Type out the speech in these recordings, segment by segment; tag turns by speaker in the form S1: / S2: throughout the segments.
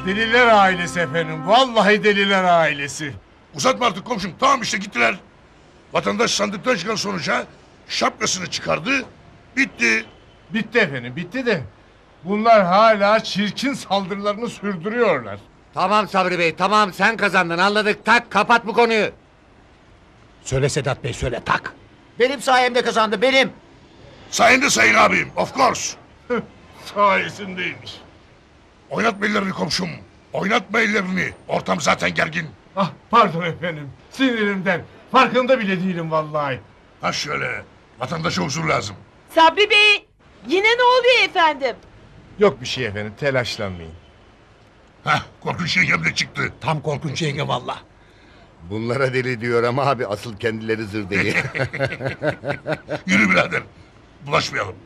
S1: Deliler ailesi efendim. Vallahi deliler ailesi.
S2: Uzatma artık komşum. Tamam işte gittiler. Vatandaş sandıktan çıkan sonuca şapkasını çıkardı. Bitti.
S1: Bitti efendim, bitti de. Bunlar hala çirkin saldırılarını sürdürüyorlar.
S3: Tamam Sabri Bey, tamam, sen kazandın, anladık. Tak, kapat bu konuyu.
S4: Söyle Sedat Bey, söyle tak.
S3: Benim sayemde kazandı, benim.
S2: Sayende sayın abim. Of course.
S1: Sayesindeymiş.
S2: Oynatma ellerini komşum. Oynatma ellerini. Ortam zaten gergin.
S1: Ah pardon efendim. Sinirimden. Farkında bile değilim vallahi.
S2: Ha şöyle. Vatandaşa huzur lazım.
S5: Sabri Bey, yine ne oluyor efendim?
S1: Yok bir şey efendim, telaşlanmayın.
S2: Hah korkunç yengem de çıktı.
S4: Tam korkunç yenge valla.
S3: Bunlara deli diyor ama abi, asıl kendileri zır deli.
S2: Yürü birader. Bulaşmayalım.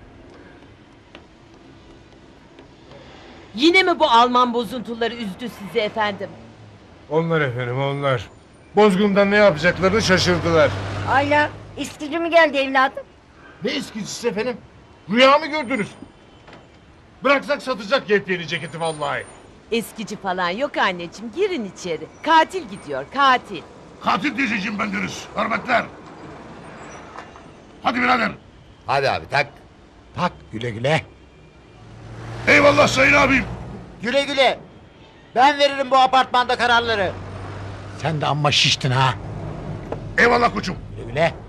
S5: Yine mi bu Alman bozuntuları üzdü sizi efendim?
S1: Onlar efendim, onlar. Bozgundan ne yapacaklarını şaşırdılar.
S6: Ayla, istici mi geldi evladım?
S1: Ne eskicisi efendim? Rüya mı gördünüz? Bıraksak satacak yepyeni ceketi vallahi.
S5: Eskici falan yok anneciğim, girin içeri. Katil gidiyor, katil.
S2: Katil teyzeciğim bendeniz. Hürmetler. Hadi birader.
S3: Hadi abi, tak.
S4: Tak, güle güle.
S2: Eyvallah sayın abim.
S3: Güle güle. Ben veririm bu apartmanda kararları.
S4: Sen de amma şiştin ha.
S2: Eyvallah koçum.
S4: Güle güle.